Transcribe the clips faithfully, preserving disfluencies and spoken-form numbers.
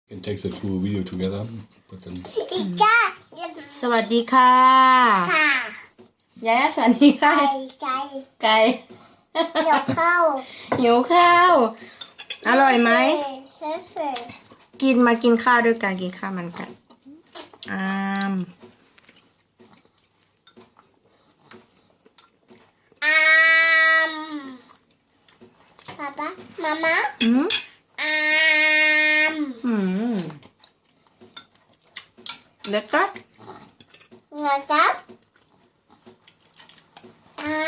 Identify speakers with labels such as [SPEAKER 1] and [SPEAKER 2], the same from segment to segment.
[SPEAKER 1] can take the two video together. Put them.
[SPEAKER 2] สวัสดีค่ะ
[SPEAKER 3] ค่ะ
[SPEAKER 2] ยายาสวัสดีค่ะ
[SPEAKER 3] ไก่
[SPEAKER 2] ไก่
[SPEAKER 3] เดี๋ยวเข้า
[SPEAKER 2] หิวข้าว อร่อยไหม
[SPEAKER 3] เฟ่เฟ่
[SPEAKER 2] กินมากินข้าวด้วยกันกินข้าวมันกันอาม
[SPEAKER 3] อามป๊าป๊ามาม่า
[SPEAKER 2] อืม
[SPEAKER 3] อาม
[SPEAKER 2] อืมแล้วก็
[SPEAKER 3] เงาจับอาม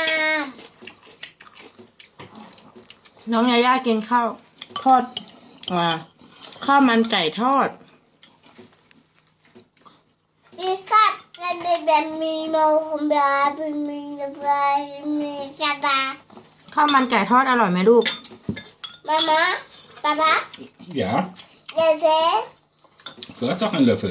[SPEAKER 2] น้องยายากินข้าวทอดอ่าข้าวมันไก่ทอด
[SPEAKER 3] ดิสัตและเบเบมีโมคุมบาเป็นมีบามีกระดาษ
[SPEAKER 2] ข้าวมันไก่ทอดอร่อยไหมลูก
[SPEAKER 3] มาม่าป๊าป๊า
[SPEAKER 1] Ja,
[SPEAKER 3] เดี๋ยวเฟ่
[SPEAKER 1] du hast doch einen Löffel.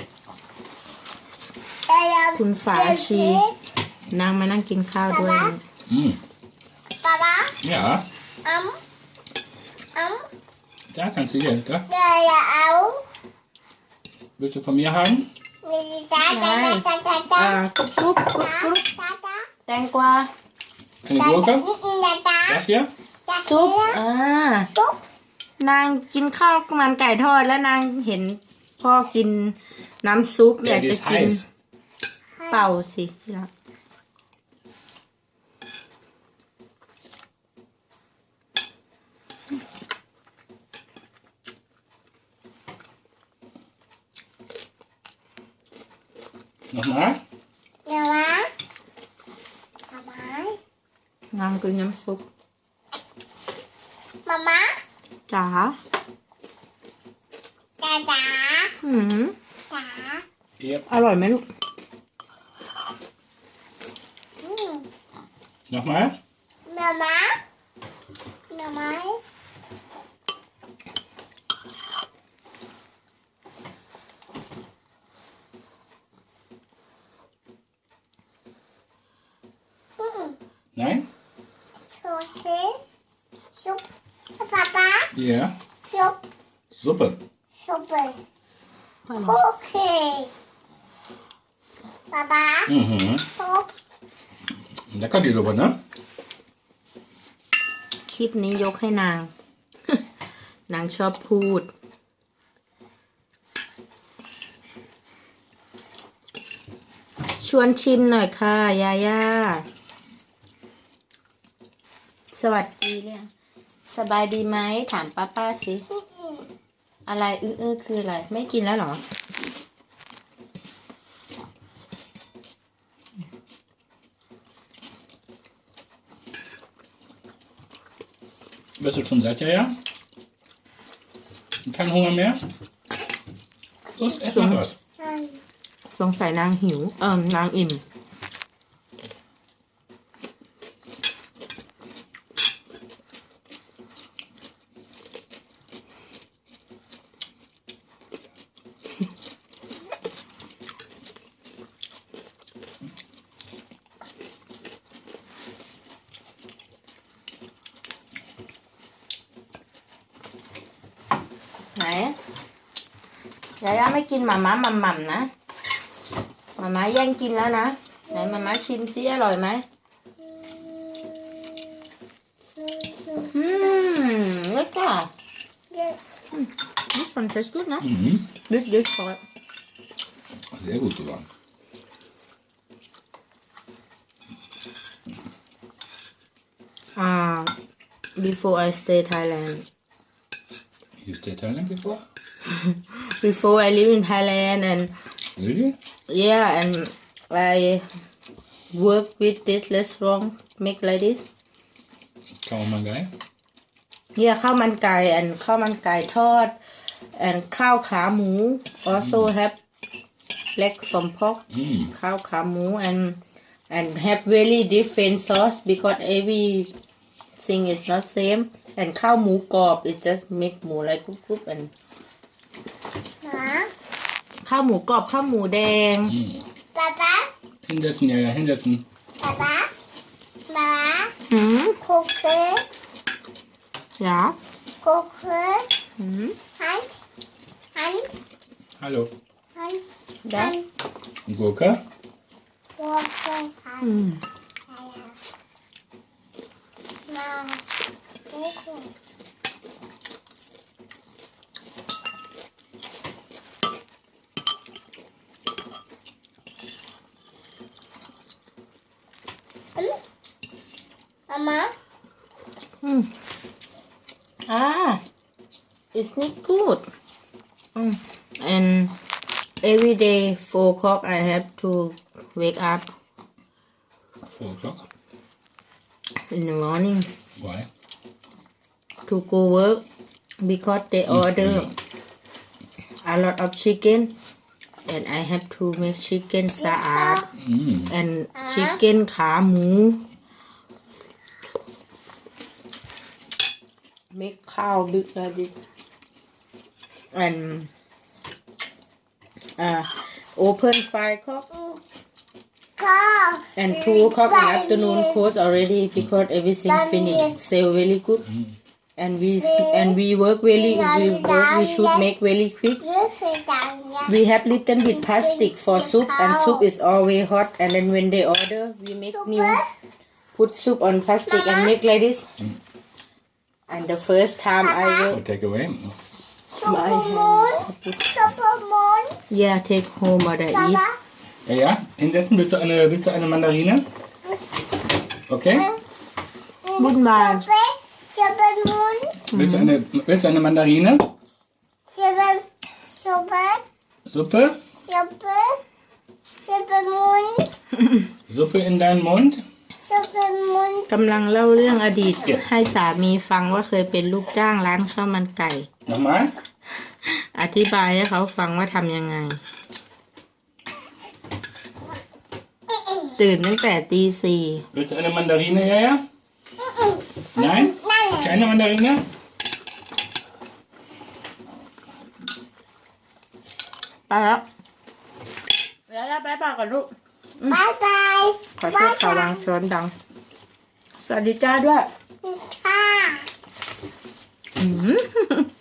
[SPEAKER 3] เดี๋ยว
[SPEAKER 2] คุณฝาชีนางมานั่งกินข้าวด้วย
[SPEAKER 1] Mm.
[SPEAKER 3] ป๊าป๊า
[SPEAKER 1] Ja,
[SPEAKER 3] อัมอัม
[SPEAKER 1] da kannst du hier. Da.
[SPEAKER 3] เดี๋ยวเอา
[SPEAKER 1] Willst du von mir haben?
[SPEAKER 3] มีจ้าจ้าจ้าจ้าจ้า
[SPEAKER 2] อ่ากรุบกรุบกรุบกรุบ
[SPEAKER 3] จ้าจ้า
[SPEAKER 2] แตงกวา
[SPEAKER 1] Eine Gurke?
[SPEAKER 3] นี่อินจ้าจ้า
[SPEAKER 1] Das hier?
[SPEAKER 2] ซุปอ่า
[SPEAKER 3] ซุป
[SPEAKER 2] นางกินข้าวมันไก่ทอดแล้วนางเห็นพ่อกินน้ำซุปอยาก
[SPEAKER 1] die
[SPEAKER 2] จะ
[SPEAKER 1] ist
[SPEAKER 2] กิน
[SPEAKER 1] heiß.
[SPEAKER 2] เป่าสิที่รัก
[SPEAKER 1] Nochmal?
[SPEAKER 3] เดี๋ยวนะทำไม
[SPEAKER 2] นางกินน้ำซุป
[SPEAKER 3] มาม่า
[SPEAKER 2] จ๋า
[SPEAKER 3] จ้าจ้า
[SPEAKER 2] อืม
[SPEAKER 3] จ้า
[SPEAKER 1] Yep.
[SPEAKER 2] อร่อยไหมลูก
[SPEAKER 3] อืม
[SPEAKER 1] Nochmal?
[SPEAKER 3] มาม่ามาม่า
[SPEAKER 1] Nein?
[SPEAKER 3] โซเซซุปป๊าป๊า
[SPEAKER 1] Ja.
[SPEAKER 3] ซุป
[SPEAKER 1] Suppe.
[SPEAKER 3] ซุปโอเคป๊าป๊า
[SPEAKER 1] Mhm.
[SPEAKER 3] ซุป
[SPEAKER 1] Lecker die Suppe, ne?
[SPEAKER 2] คลิปนี้ยกให้นาง นางชอบพูด ชวนชิมหน่อยค่ะ ยาย่า สวัสดีเนี่ยสบายดีไหม ถามป้าป้าสิ อะไรอื้อๆคืออะไร ไม่กินแล้วเหรอ
[SPEAKER 1] Bist du schon satt, ja? ja? Kein Hunger mehr? Los, ess noch was.
[SPEAKER 3] ใช่
[SPEAKER 2] สงสัยนางหิว เอิมนางอิ่ม ไหนยาย่าไม่กินหมาม้าหม่ำหม่ำนะหมาม้าแย่งกินแล้วนะ ไหนหมาม้าชิมซิอร่อยไหมอืมแล้วก็ this one tastes good นะ
[SPEAKER 1] Mhm.
[SPEAKER 2] this this hot
[SPEAKER 1] Sehr gut sogar.
[SPEAKER 2] ah before I stay Thailand
[SPEAKER 1] You stayed Thailand before?
[SPEAKER 2] before I live in Thailand and
[SPEAKER 1] Really?
[SPEAKER 2] yeah and I work with this restaurant make like this
[SPEAKER 1] Kaum mal geil.
[SPEAKER 2] เฮียข้าวมันไก่ and ข้าวมันไก่ทอด and ข้าวขาหมู also have leg from pork
[SPEAKER 1] Mm.
[SPEAKER 2] ข้าวขาหมู and and have very different sauce because every thing is not same and ข้าวหมูกรอบ it just make หมู like กรุบๆ and
[SPEAKER 3] หมา
[SPEAKER 2] ข้าวหมูกรอบข้าวหมูแดง
[SPEAKER 1] Mm.
[SPEAKER 3] ป๊าป๊า
[SPEAKER 1] Hinsetzen, ja, ja, hinsetzen.
[SPEAKER 3] ป๊าป๊าป๊า
[SPEAKER 2] หืม
[SPEAKER 3] คุกกี้
[SPEAKER 2] Ja.
[SPEAKER 3] Kuchen,
[SPEAKER 2] Mhm.
[SPEAKER 3] Hand,
[SPEAKER 1] Hallo.
[SPEAKER 3] ฮัน
[SPEAKER 2] ได้
[SPEAKER 1] Gurke.
[SPEAKER 3] ตัวตัวฮัน
[SPEAKER 2] อืม
[SPEAKER 3] มาทุกคนอามา
[SPEAKER 2] อืมอ่า it's not good อืม and every day four o'clock I have to wake up
[SPEAKER 1] Four o'clock.
[SPEAKER 2] in the morning
[SPEAKER 1] Why?
[SPEAKER 2] to go work because they order a lot of chicken and I have to make chicken สะอาด
[SPEAKER 1] Mm.
[SPEAKER 2] and chicken ขาหมู make cow big like this and uh, open five o'clock
[SPEAKER 3] ข้าว
[SPEAKER 2] and two o'clock in afternoon close already because everything finished sell very good and we and we work really we work we should make very quick
[SPEAKER 3] ยืดคือจานเนี่ย
[SPEAKER 2] we have little bit plastic for soup and soup is always hot and then when they order we make new put soup on plastic and make like this and the first time I work
[SPEAKER 1] Oh, take away.
[SPEAKER 3] ซุปเปอร์มูนซุปเปอร์มูน
[SPEAKER 2] yeah take home or the
[SPEAKER 3] ป๊า
[SPEAKER 2] eat
[SPEAKER 3] ป๊า
[SPEAKER 1] Ja, ja. Hinsetzen. Bist du eine, bist du eine Mandarine? Okay.
[SPEAKER 2] บุญบาย
[SPEAKER 3] ซุปเปอร์มูน
[SPEAKER 1] Willst du eine, willst du eine Mandarine?
[SPEAKER 3] ซุปเปอร์ซุปเปอร์
[SPEAKER 1] Suppe?
[SPEAKER 3] ซุปเปอร์ซุปเปอร์มูน
[SPEAKER 1] Suppe in deinen Mund?
[SPEAKER 3] ซุปเปอร์มูน
[SPEAKER 2] กำลังเล่าเรื่องอดีต ให้สามีฟังว่าเคยเป็นลูกจ้างร้านข้าวมันไก่
[SPEAKER 1] Nochmal?
[SPEAKER 2] อธิบายให้เขาฟังว่าทำยังไง ตื่นตั้งแต่ตีสี่
[SPEAKER 1] Willst du eine Mandarine, ja, ja? Nein? Keine Mandarine?
[SPEAKER 2] ไปแล้วแล้วแล้วไปป่าก่อนลูก
[SPEAKER 3] บายบาย
[SPEAKER 2] ขอโทษค่ะวางช้อนดัง สวัสดีจ้าด้วย
[SPEAKER 3] ค่ะ
[SPEAKER 2] อืม